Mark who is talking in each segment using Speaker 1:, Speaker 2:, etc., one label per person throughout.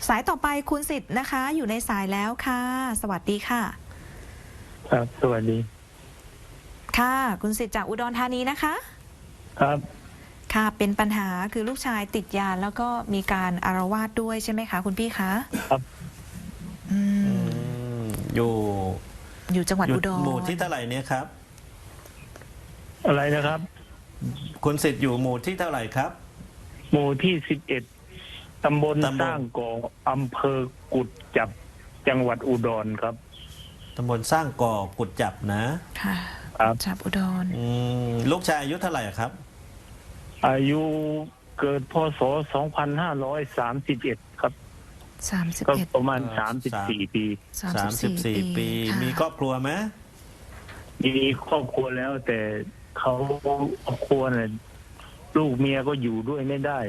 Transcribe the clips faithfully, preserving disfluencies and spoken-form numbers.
Speaker 1: สายต่อไปคุณสิทธิ์นะคะอยู่ในสายแล้วค่ะสวัสดีค่ะ
Speaker 2: ครับสวัสดี
Speaker 1: ค่ะคุณสิทธิ์จากอุดรธานีนะคะ
Speaker 2: ครับ
Speaker 1: ค่ะเป็นปัญหาคือลูกชายติดยาแล้วก็มีการอาละวาดด้วยใช่ไหมคะคุณพี่คะ
Speaker 2: ครับ
Speaker 1: อื
Speaker 3: มอยู่
Speaker 1: อยู่จังหวัดอุดร
Speaker 3: หมู่ที่เท่าไหร่เนี่ยครับ
Speaker 2: อะไรนะครับ
Speaker 3: คุณสิทธิ์อยู่หมู่ที่เท่าไหร่ครับ
Speaker 2: หมู่ที่สิบเอ็ดตำบลสร้างก่ออำเภอกุดจับจังหวัดอุดรครับ
Speaker 3: ตำบลสร้างก่อกุดจับนะ
Speaker 1: ค่ะ
Speaker 2: ครับ
Speaker 1: จับอุดร
Speaker 3: อืมลูกชายอายุเท่าไหร่ครับ
Speaker 2: อายุเกิดพศสองพันห้าร้อยสามสิบเอ็ดครับ
Speaker 1: สามสิบ
Speaker 2: ก็
Speaker 1: เอ็ด
Speaker 2: ประมาณสามสิบสี่ปี
Speaker 3: สามสิบสี่ปีมีครอบครัวไหม
Speaker 2: มีครอบครัวแล้วแต่เขาครอบครัวเนี่ยลูกเมียก็อยู่ด้วยไม่ได้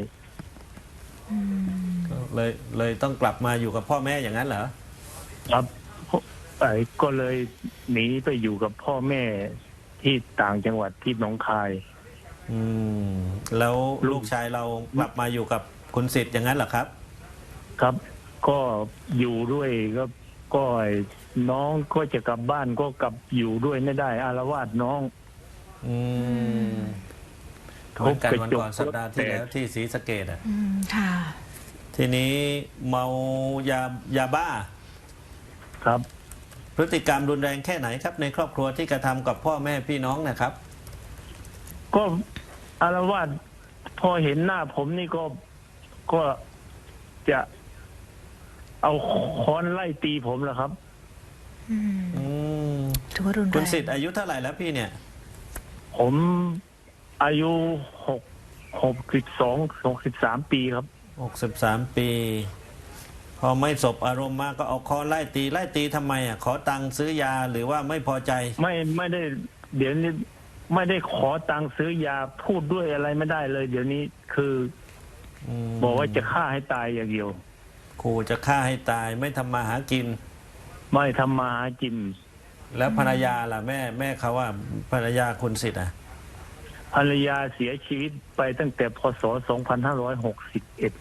Speaker 3: เลยเลยต้องกลับมาอยู่กับพ่อแม่อย่างนั้นเหรอ
Speaker 2: ครับไอ้ก็เลยหนีไปอยู่กับพ่อแม่ที่ต่างจังหวัดที่หนองคาย
Speaker 3: อืมแล้วลูกชายเรากลับมาอยู่กับคุณสิทธิ์อย่างนั้นเหรอครับ
Speaker 2: ครับก็อยู่ด้วยก็ก็น้องก็จะกลับบ้านก็กลับอยู่ด้วยไม่ได้อาละวาดน้อง
Speaker 3: อืมเหมือนกันวันก่อนสัปดาห์ที่แล้วที่ศรีสะเกษอ่ะ
Speaker 1: อืมค่ะ
Speaker 3: ทีนี้เมายายาบ้า
Speaker 2: ครับ
Speaker 3: พฤติกรรมรุนแรงแค่ไหนครับในครอบครัวที่กระทำกับพ่อแม่พี่น้องนะครับ
Speaker 2: ก็อาละวาดพอเห็นหน้าผมนี่ก็ก็จะเอาค้อนไล่ตีผมแหละครับ
Speaker 1: อืมถือว่ารุนแรง
Speaker 3: คุณสิทธิ์อายุเท่าไหร่แล้วพี่เนี่ย
Speaker 2: ผมอายุหกหกสิบสองหกสิบสามปีครับ
Speaker 3: หกสิบสามปีพอไม่สบอารมณ์มากก็เอาค้อนไล่ตีไล่ตีทำไมอ่ะขอตังค์ซื้อยาหรือว่าไม่พอใจ
Speaker 2: ไม่ไม่ได้เดี๋ยวนี้ไม่ได้ขอตังค์ซื้อยาพูดด้วยอะไรไม่ได้เลยเดี๋ยวนี้คือบอกว่าจะฆ่าให้ตายอย่างเดียว
Speaker 3: ขู่จะฆ่าให้ตายไม่ทำมาหากิน
Speaker 2: ไม่ทำมาหากิน
Speaker 3: แล้วภรรยาล่ะแม่แม่เขาว่าภรรยาคุณสิทธิ์อ่ะ
Speaker 2: ภรรยาเสียชีวิตไปตั้งแต่พศสองพันห้าร้อยหกสิบเอ็ด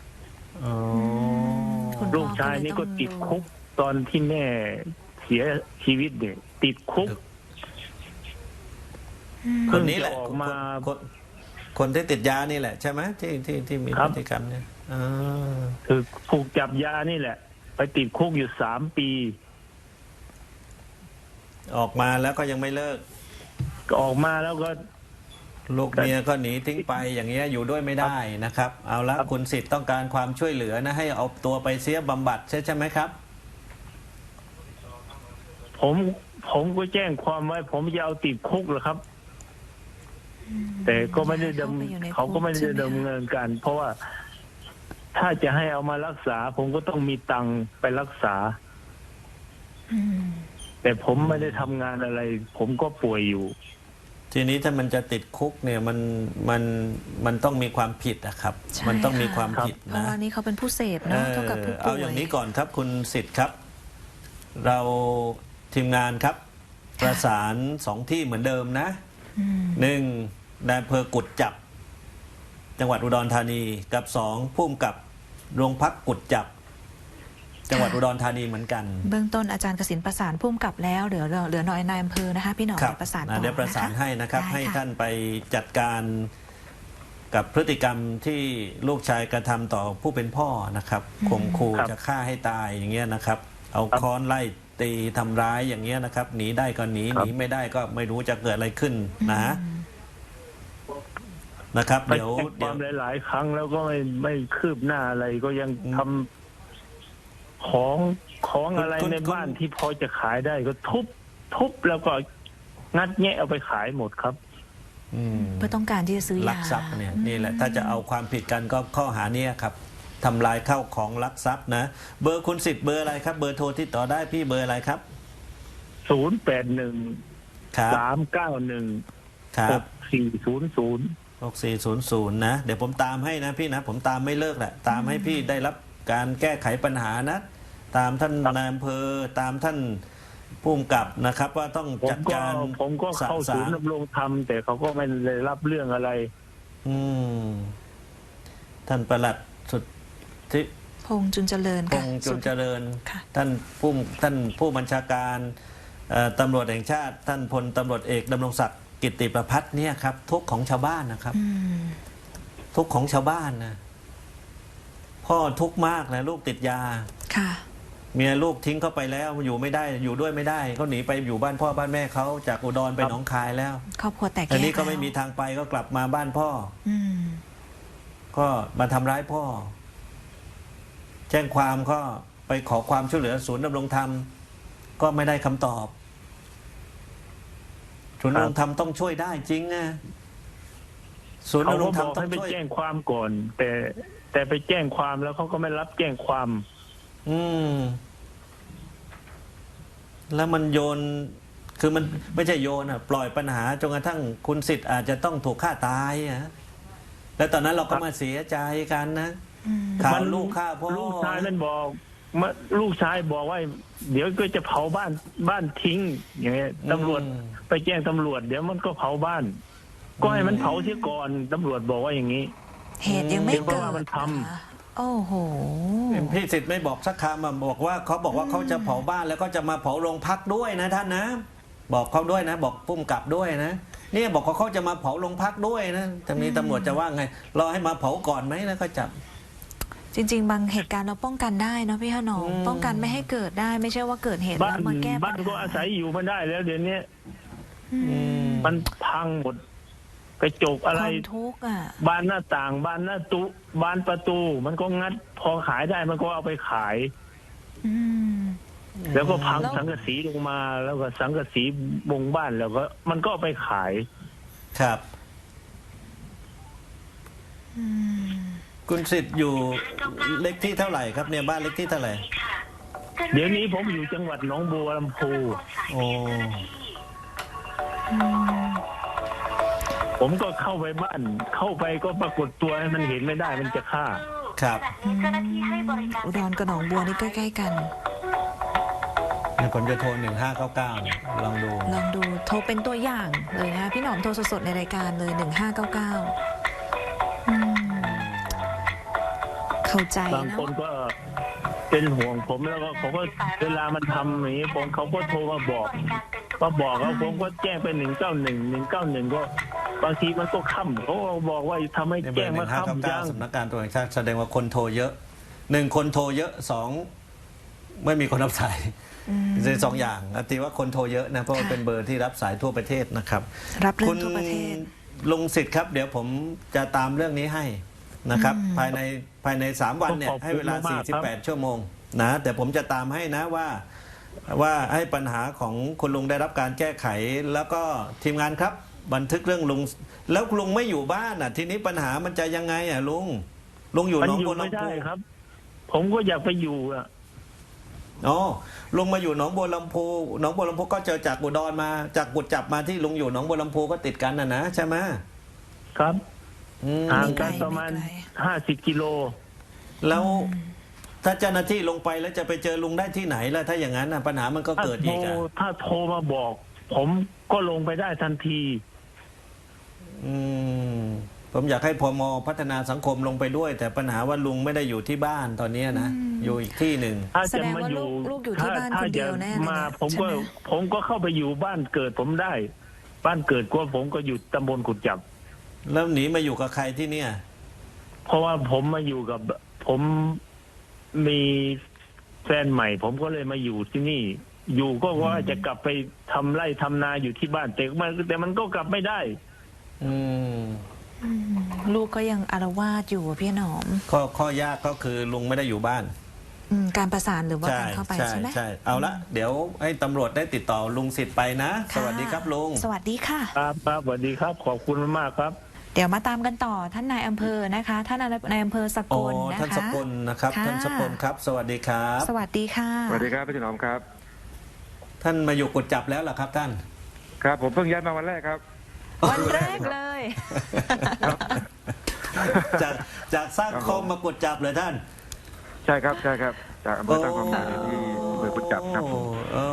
Speaker 2: ลูกชายนี่ก็ติดคุกตอนที่แม่เสียชีวิตเนี่ยติดคุก
Speaker 3: คนนี้แหละออกมาคนที่ติดยานี่แหละใช่ไหมที่ที่ที่มีพฤติกรรมเนี่ย
Speaker 2: คือถูกจับยานี่แหละไปติดคุกอยู่สามปี
Speaker 3: ออกมาแล้วก็ยังไม่เลิก
Speaker 2: ออกมาแล้วก็
Speaker 3: ลูกเมียก็หนีทิ้งไปอย่างเงี้ยอยู่ด้วยไม่ได้นะครับเอาละคุณสิทธิ์ต้องการความช่วยเหลือนะให้เอาตัวไปเสียบำบัดใช่ใช่ไหมครับ
Speaker 2: ผมผมก็แจ้งความไว้ผมจะเอาติดคุกเหรอครับแต่ก็ไม่ได้ดำเขาก็ไม่ได้ดำเนินการเพราะว่าถ้าจะให้เอามารักษาผมก็ต้องมีตังค์ไปรักษาแต่ผมไม่ได้ทำงานอะไรผมก็ป่วยอยู่
Speaker 3: ทีนี้ถ้ามันจะติดคุกเนี่ยมันมันมันต้องมีความผิดอะครับมันต้องมีความผิดนะเพราะ
Speaker 1: ว่านี่เขาเป็นผู้เสพเนาะเท่ากับผู้ป่วย
Speaker 3: เอาอย่างนี้ก่อนครับคุณสิทธิ์ครับเราทีมงานครับประสานสองที่เหมือนเดิมนะหนึ่งนายอำเภอกุดจับจังหวัดอุดรธานีกับสองผู้กำกับโรงพักกุดจับจังหวัดอุดรธานีเหมือนกัน
Speaker 1: เบื้องต้นอาจารย์กสิณประสานผู้กำกับแล้วเหลือเหลือหน่อยนายอำเภอนะคะพี่หน่อยประสาน
Speaker 3: เดี๋ยวประสานให้นะครับให้ท่านไปจัดการกับพฤติกรรมที่ลูกชายกระทำต่อผู้เป็นพ่อนะครับข่มขู่จะฆ่าให้ตายอย่างเงี้ยนะครับเอาค้อนไล่ตีทำร้ายอย่างเงี้ยนะครับหนีได้ก็หนีหนีไม่ได้ก็ไม่รู้จะเกิดอะไรขึ้นนะนะครับเดี๋ยว
Speaker 2: เดี๋ยวหลายๆครั้งแล้วก็ไม่ไม่คืบหน้าอะไรก็ยังทำของของอะไรในบ้านที่พอจะขายได้ก็ทุบทุบแล้วก็งัดแงะเอาไปขายหมดครับ
Speaker 1: เพื่อต้องการที่จะซื้อยา
Speaker 3: ลักทรัพย์เนี่ยนี่แหละถ้าจะเอาความผิดกันก็ข้อหานี้ครับทำลายเข้าของลักทรัพย์นะเบอร์คุณสิทธิ์เบอร์อะไรครับเบอร์โทรที่ต่อได้พี่เบอร์อะไรครับ
Speaker 2: ศูนย์แปดหนึ่งสามเก้าหนึ่งหกสี่ศูนย์ศูนย์
Speaker 3: หกสี่ศูนย์ศูนย์นะเดี๋ยวผมตามให้นะพี่นะผมตามไม่เลิกแหละตามให้พี่ได้รับการแก้ไขปัญหานะตามท่านนายอำเภอตามท่านผู้กำกับนะครับว่าต้องจัดการ
Speaker 2: ผมก็เข้าศูนย์ดำรงธรรมแต่เขาก็ไม่ได้รับเรื่องอะไร
Speaker 3: อืมท่านปลัดสุดที่
Speaker 1: งษ์จุนเจริญ
Speaker 3: พ
Speaker 1: ค่ะ
Speaker 3: งษ์จุนเจริญ
Speaker 1: ค่ะ
Speaker 3: ท่านผู้ท่านผู้บัญชาการเอ่อตำรวจแห่งชาติ ท่านพลตำรวจเอกดำรงศักดิ์กิตติประพัฒน์เนี่ยครับทุกข์ของชาวบ้านนะครับ
Speaker 1: อืม
Speaker 3: ทุกข์ของชาวบ้านนะพ่อทุกข์มากนะลูกติดยา
Speaker 1: ค่ะ
Speaker 3: เมียลูกทิ้งเขาไปแล้วอยู่ไม่ได้อยู่ด้วยไม่ได้เขาหนีไปอยู่บ้านพ่อบ้านแม่เขาจากอุดรไปหนองคายแล้ว
Speaker 1: ครอบครัวแตกแยก
Speaker 3: อันนี้ก็ไม่
Speaker 1: แล้ว
Speaker 3: มีทางไปก็กลับมาบ้านพ่อ
Speaker 1: อืม
Speaker 3: ก็มาทำร้ายพ่อ แจ้งความก็ไปขอความช่วยเหลือศูนย์ดำรงธรรม ก็ไม่ได้คำตอบ ศูนย์ดำรงธรรมต้องช่วยได้จริงนะศูนย์
Speaker 2: เขา
Speaker 3: ดำร
Speaker 2: ก็
Speaker 3: งธร
Speaker 2: บ
Speaker 3: รม
Speaker 2: อก
Speaker 3: ต้อ
Speaker 2: ให้
Speaker 3: ง
Speaker 2: ไป
Speaker 3: ช่วย
Speaker 2: แจ้งความก่อน แต่แต่ไปแจ้งความแล้วเขาก็ไม่รับแจ้งความ
Speaker 3: อืม แล้วมันโยน คือมันไม่ใช่โยนอ่ะ ปล่อยปัญหาจนกระทั่งคุณสิทธิ์อาจจะต้องถูกฆ่าตายอ่ะแล้วตอนนั้นเราก็มาเสียใจกันนะ
Speaker 1: อืม
Speaker 3: ข่าว
Speaker 2: มัน
Speaker 3: ลูกฆ่าพ่อ
Speaker 2: ลูกชายมันบอกมาลูกชายบอกว่า เดี๋ยวก็จะเผาบ้านบ้านทิ้ง อย่างเงี้ยตำรวจ
Speaker 3: อืม
Speaker 2: ไปแจ้งตำรวจ เดี๋ยวมันก็เผาบ้าน ก็ให้มันเผาเสียก่อนตำรวจบอกว่าอย่างนี้
Speaker 1: เหตุยังไม่
Speaker 2: เดี๋ยว
Speaker 1: เกิด
Speaker 2: ว่ามันทำ
Speaker 1: นะคะโอ้โห
Speaker 3: พี่สิทธิ์ไม่บอกสักคำอ่ะบอกว่าเขาบอกว่าเขาจะเผาบ้านแล้วก็จะมาเผาโรงพักด้วยนะท่านนะ บอกเขาด้วยนะ บอกปุ้มกลับด้วยนะเนี่ยบอกว่าเขาจะมาเผาโรงพักด้วยนะทางนี้ตำรวจจะว่าไงรอให้มาเผาก่อนไหมแล้วก็จับ
Speaker 1: จริง ๆ บางเหตุการณ์เราป้องกันได้เนาะพี่ขนอม
Speaker 3: อืม
Speaker 1: ป้องกันไม่ให้เกิดได้ ไม่ใช่ว่าเกิดเหตุ
Speaker 2: บ้า
Speaker 1: แล้
Speaker 2: น
Speaker 1: วมาแก้ปั
Speaker 2: บ้า
Speaker 1: ญ
Speaker 2: นก็
Speaker 1: หา
Speaker 2: อาศัยอยู่ไม่ได้แล้วเดี๋ยวนี้
Speaker 1: อื
Speaker 3: อื
Speaker 1: ม
Speaker 3: ม
Speaker 2: มันพังหมดกระจกอะไร
Speaker 1: ความทุกข์อ่ะ
Speaker 2: บานหน้าต่างบานหน้าตุบานประตู มันก็งัด พอขายได้มันก็เอาไปขาย
Speaker 1: อืม
Speaker 2: แล้วก็พัง
Speaker 1: แล้ว
Speaker 2: สังกะสีลงมา แล้วก็สังกะสีบงบ้านแล้วก็มันก็เอาไปขาย
Speaker 3: ครับ
Speaker 1: อืม
Speaker 3: คุณสิทธิ์อยู่เลขที่เท่าไหร่ครับเนี่ยบ้านเลขที่เท่าไหร่
Speaker 2: เดี๋ยวนี้ผมอยู่จังหวัดหนองบัวลำพู
Speaker 3: โอ้
Speaker 1: อืม
Speaker 2: ผมก็เข้าไปบ้าน เข้าไปก็ปรากฏตัวให้มันเห็นไม่ได้มันจะฆ่า
Speaker 3: ครับ
Speaker 1: อืมอุดรกับหนองบัวนี่ใกล้ๆกัน
Speaker 3: เดี๋ยวผมจะโทรหนึ่งห้าเก้าเก้าลองดู
Speaker 1: ลองดูโทรเป็นตัวอย่างเลยนะพี่หนอมโทรสดๆในรายการเลยหนึ่งห้าเก้าเก้าเข้าใจ
Speaker 2: บาง
Speaker 1: นะ
Speaker 2: คนก็เป็นห่วงผมแล้วก็เขาก็เวลามันทำอย่างนี้ผมเขาก็โทรมาบอกมาบอกแล้วผมก็แจ้งไปหนึ่งเก้าหนึ่งหนึ่งเก้าหนึ่งก็บางทีมันก็ค่ำเขาก็บอกว่าทำให้
Speaker 3: ในเบอ
Speaker 2: แจ้ง
Speaker 3: ร์ห
Speaker 2: มา
Speaker 3: นึ่งห้าเก้า
Speaker 2: ค่ำ
Speaker 3: เก้า
Speaker 2: จัง
Speaker 3: สำนักการตำรวจแห่งชาติแสดงว่าคนโทรเยอะหนึ่งคนโทรเยอะสองไม่มีคนรับสาย
Speaker 1: อืม
Speaker 3: เป็นสองอย่างอติว่าคนโทรเยอะนะเพราะว่า
Speaker 1: ค่ะ
Speaker 3: เป็นเบอร์ที่รับสายทั่วประเทศนะครับ
Speaker 1: รับเรื่
Speaker 3: คุ
Speaker 1: อง
Speaker 3: ณ
Speaker 1: ทั่วประเทศ
Speaker 3: ลุงสิทธิ์ครับ เดี๋ยวผมจะตามเรื่องนี้ให้นะครับ
Speaker 1: อืม
Speaker 3: ภายในภายในสามวันเนี่ยให้เวลาสี่สิบแปดชั่วโมงนะแต่ผมจะตามให้นะว่า ว่าให้ปัญหาของคุณลุงได้รับการแก้ไข แล้วก็ทีมงานครับ บันทึกเรื่องลุง แล้วลุงไม่อยู่บ้านอ่ะ ทีนี้ปัญหามันจะยังไงอ่ะลุงลุงอยู่
Speaker 2: มัน
Speaker 3: หนอง
Speaker 2: อยู่
Speaker 3: บัว
Speaker 2: ไม่
Speaker 3: ลำ
Speaker 2: ได้
Speaker 3: พู
Speaker 2: ครับ ผมก็อยากไปอยู่อ่ะ
Speaker 3: อ๋อลุงมาอยู่หนองบัวลำพูหนองบัวลำพูก็เจอจากอุดรมาจากกุดจับมาที่ลุงอยู่หนองบัวลำพูก็ติดกันนะนะใช่ไหม
Speaker 2: ครับ
Speaker 3: อืม
Speaker 2: ห่าง
Speaker 1: ไม่ไกล
Speaker 2: กันประมาณ
Speaker 1: ไม่ไกล
Speaker 2: ห้าสิบกิโล
Speaker 3: แล้วถ้าเจ้าหน้าที่ลงไปแล้วจะไปเจอลุงได้ที่ไหนล่ะถ้าอย่างนั้นน่ะปัญหามันก็
Speaker 2: ถ้า
Speaker 3: เกิด
Speaker 2: โทร
Speaker 3: อีกอ่ะ
Speaker 2: ถ้าโทรมาบอก ผมก็ลงไปได้ทันที
Speaker 3: อืมผมอยากให้พมพัฒนาสังคมลงไปด้วย แต่ปัญหาว่าลุงไม่ได้อยู่ที่บ้านตอนนี้นะ
Speaker 1: อืม
Speaker 3: อยู่อีกที่หนึ่ง
Speaker 2: ถ้า
Speaker 1: แส
Speaker 2: จะ
Speaker 1: ดง
Speaker 2: มา
Speaker 1: ว่า
Speaker 2: อยู่
Speaker 1: ลูกลูกอยู่ที่บ้าน
Speaker 2: ถ้
Speaker 1: คนเดียว
Speaker 2: จะ
Speaker 1: แน่เลย
Speaker 2: มา
Speaker 1: เนี่ย
Speaker 2: ผมก็
Speaker 1: ใช่ไหม
Speaker 2: ผมก็เข้าไปอยู่บ้านเกิดผมได้ บ้านเกิดก็ผมก็อยู่ตำบลกุดจับ
Speaker 3: แล้วหนีมาอยู่กับใครที่เนี่ย
Speaker 2: เพราะว่าผมมาอยู่กับ ผมมีแฟนใหม่ ผมก็เลยมาอยู่ที่นี่ อยู่ก็ว่าจะกลับไปทำไร่ทำนาอยู่ที่บ้านแต่มันแต่มันก็กลับไม่ได้
Speaker 3: อืม
Speaker 1: อืมลูกก็ยังอารวาสอยู่อะพี่หนอม
Speaker 3: ข้อข้อยากก็คือลุงไม่ได้อยู่บ้าน
Speaker 1: อืมการประสานหรือว่า
Speaker 3: ใช่
Speaker 1: การเข้าไป
Speaker 3: ใช่
Speaker 1: ใช่ไหม
Speaker 3: ใช่เอาละเดี๋ยวให้ตำรวจได้ติดต่อลุงสิทธิ์ไปนะ ส
Speaker 1: ค่ะ
Speaker 3: วัสดีครับลุง
Speaker 1: สวัสดีค่ะ
Speaker 2: ครับครับสวัสดีครับ ขอบคุณมากๆครับ
Speaker 1: เดี๋ยวมาตามกันต่อท่านนายอำเภอนะคะ ท่านนายอำเภอสก
Speaker 3: อ๋อ
Speaker 1: ลนะคะ
Speaker 3: ท่านสกลนะครับ
Speaker 1: ค่ะ
Speaker 3: ท่านสกลครับ สวัสดีครับ
Speaker 1: สวัสดีค่ะ
Speaker 4: สวัสดีครับพี่ถนอมครับ
Speaker 3: ท่านมาอยู่กุดจับแล้วเหรอครับท่าน
Speaker 4: ครับผมเพิ่งย้ายมาวันแรกครับ
Speaker 1: วันแรกเลย
Speaker 3: จากจากสร้างคมมากุดจับเลยท่าน
Speaker 4: ใช่ครับใช่ครับจากอำเภอตั้งความหมายที่อำเภอกุดจับครับผม
Speaker 3: โอ้โอ้โอ้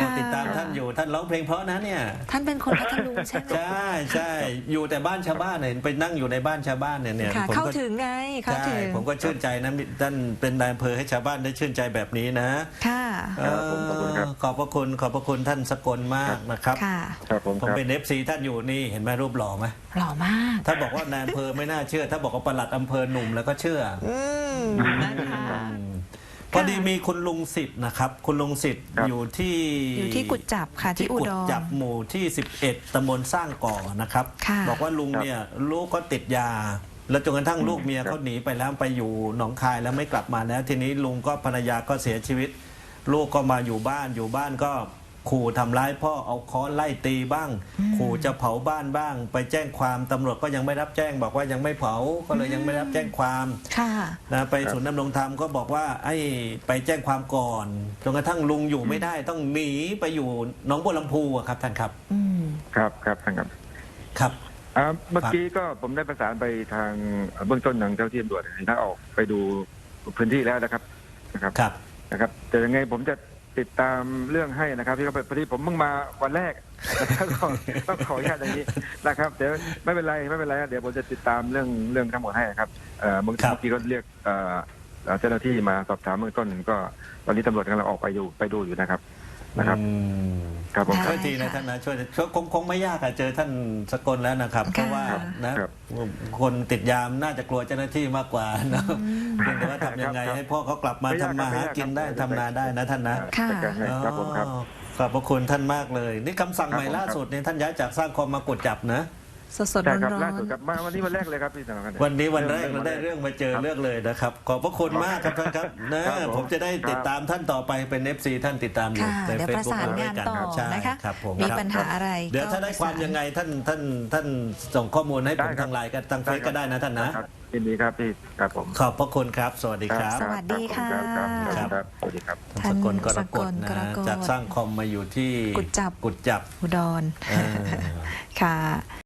Speaker 1: ค่ะ
Speaker 3: ติดตามท่านอยู่ท่านร้องเพลงเพราะนะเนี่ย
Speaker 1: ท่านเป็นคนพัทลุงใช่ไหม
Speaker 3: ใช่ใช่อยู่แต่บ้านชาวบ้านเห็นไปนั่งอยู่ในบ้านชาวบ้านเนี่ยเนี่ย
Speaker 1: ค่ะ
Speaker 3: ผม
Speaker 1: เข้า
Speaker 3: ก็
Speaker 1: ถึงไงเข้า
Speaker 3: ใช่
Speaker 1: ถึง
Speaker 3: ผมก็ชื่นใจนะท่านเป็นนายอำเภอให้ชาวบ้านได้ชื่นใจแบบนี้นะ
Speaker 1: ค่ะ
Speaker 4: ครับผมขอบคุณครับ
Speaker 3: เออขอบพระคุณขอบพระคุณท่านสกลมากนะครับ
Speaker 1: ค่ะ
Speaker 4: ครับผม
Speaker 3: ผม
Speaker 4: ครับ
Speaker 3: เป็นเอฟซีท่านอยู่นี่เห็นไหมรูปหล่อไหม
Speaker 1: หล่อมาก
Speaker 3: ถ้าบอกว่านายอำเภอไม่น่าเชื่อ ถ้าบอกว่าปลัดอำเภอหนุ่มแล้วก็เชื่อ
Speaker 1: อืมนะคะ
Speaker 3: อืมพอดีมีคุณลุงสิทธิ์นะครับ คุณลุงสิทธิ์
Speaker 4: ครับ
Speaker 3: อยู่ที่
Speaker 1: อยู่ที่กุดจับค่ะที่อุ
Speaker 3: กุ
Speaker 1: ด
Speaker 3: ด
Speaker 1: ร
Speaker 3: จับหมู่ที่ สิบเอ็ดตำบลสร้างก่อนะครับ
Speaker 1: ค่ะ
Speaker 3: บอกว่าลุงเนี่ยลูกก็ติดยา แล้วจนกระทั่งลูกเมียเขาหนีไปแล้วไปอยู่หนองคายแล้วไม่กลับมาแล้ว ทีนี้ลุงก็ภรรยาก็เสียชีวิต ลูกก็มาอยู่บ้านอยู่บ้านก็ขู่ทำร้ายพ่อเอาค้อนไล่ตีบ้าง ขู่จะเผาบ้านบ้าง ไปแจ้งความตำรวจก็ยังไม่รับแจ้ง บอกว่ายังไม่เผาก็เลยยังไม่รับแจ้งความ
Speaker 1: ค่ะ
Speaker 3: นะไปศูนย์ดำรงธรรมก็บอกว่าไอ้ไปแจ้งความก่อนจนกระทั่งลุงอยู่ไม่ได้ต้องหนีไปอยู่หนองบัวลำพูอะครับท่านครับ
Speaker 1: อืม
Speaker 4: ครับครับท่านครับ
Speaker 3: ครับ
Speaker 4: อ่าเมื่อกี้ก็ผมได้ประสานไปทางเบื้องต้นทางเจ้าที่ตำรวจให้ท่านออกไปดูพื้นที่แล้วนะครับนะครับ
Speaker 3: ครับ
Speaker 4: นะครับแต่ยังไงผมจะติดตามเรื่องให้นะครับที่เขาพอดีผมเพิ่งมาวันแรกนะครับก็ต้องขออนุญาตอย่างนี้นะครับเดี๋ยวไม่เป็นไรไม่เป็นไรเดี๋ยวผมจะติดตามเรื่องเรื่องทั้งหมดให้ครับเอ่อเมื่อ
Speaker 3: ครับ
Speaker 4: กี้ก็เรียกเอ่อเอ่อเจ้าหน้าที่มาสอบถามเบื้องต้นก็ตอนนี้ตำรวจกำลังออกไปอยู่ไปดูอยู่นะครับนะครับ
Speaker 3: อืม
Speaker 4: ครับผม
Speaker 1: ได้
Speaker 3: ช่วยทีนะท่านนะช่วยช่วยคงคงไม่ยากอะเจอท่านสกลแล้วนะครับ เพราะว่านะครับ คนติดยามน่าจะกลัวเจ้าหน้าที่มากกว่านะเพียงแต่ว่าทำยังไง
Speaker 4: ครับ
Speaker 3: ให้พ่อเขากลับมา
Speaker 4: ไม่ยาก
Speaker 3: ทำมา
Speaker 4: ครับ
Speaker 3: หากินได้
Speaker 4: ไม่ยาก
Speaker 3: ทำนาได้นะท่านนะ
Speaker 1: ค่ะ
Speaker 4: จัดการให้ครับผมครับ
Speaker 3: อ๋อขอบพระคุณท่านมากเลย นี่คำสั่ง
Speaker 4: ครับ
Speaker 3: ใหม่
Speaker 4: ผม
Speaker 3: ล่าสุดเนี่ยท่านย้ายจากสร้างคอมมากดจับนะ
Speaker 1: สดสด
Speaker 4: ใช่
Speaker 1: ร้อน
Speaker 4: ครับ
Speaker 1: ร้อ
Speaker 4: ล่าน สุดครับมาวันนี้วันแรกเลยครับพี่สนองกัน
Speaker 3: วันนี้วันแรกเราได้เรื่องมาเจอเรื่องเลยนะครับ ขอบพระคุณมากครับท่านครับนะครับ
Speaker 4: ผม
Speaker 3: ผมจะได้ติดตามท่านต่อไปเป็นเอฟซีท่านติดตามอยู่
Speaker 1: ค่ะ
Speaker 3: ใน
Speaker 1: เดี๋ยว
Speaker 3: เฟ
Speaker 1: ป
Speaker 3: ซ
Speaker 1: ระ
Speaker 3: บุ๊ก
Speaker 1: สาน
Speaker 3: เราด้ว
Speaker 1: งาย น
Speaker 3: กัน
Speaker 1: ต่อ
Speaker 3: ใช่
Speaker 1: นะคะ
Speaker 3: ครับผม
Speaker 1: มี
Speaker 3: ครับ
Speaker 1: ปัญหาอะไร
Speaker 3: เดี๋ยวถ้าได้ความยังไงท่านท่านท่านส่งข้อมูลให้ผมทางไลน์กันทางเฟซก็ได้นะท่านนะ
Speaker 4: ครับยินดีครับพี่ครับผม
Speaker 3: ขอบพระคุณครับ สวัสดีครับ
Speaker 1: สวัสดีค่ะ
Speaker 4: ครับครับครับครับสวัสดีครับ
Speaker 3: ท่านสกลกรกฎ
Speaker 1: ท่าน
Speaker 3: นะ
Speaker 1: สกลกรกฎ
Speaker 3: จากสร้างคอมมาอยู่ที่
Speaker 1: กุดจับ
Speaker 3: กุดจับ
Speaker 1: อุดร
Speaker 3: เออ
Speaker 1: ค่ะ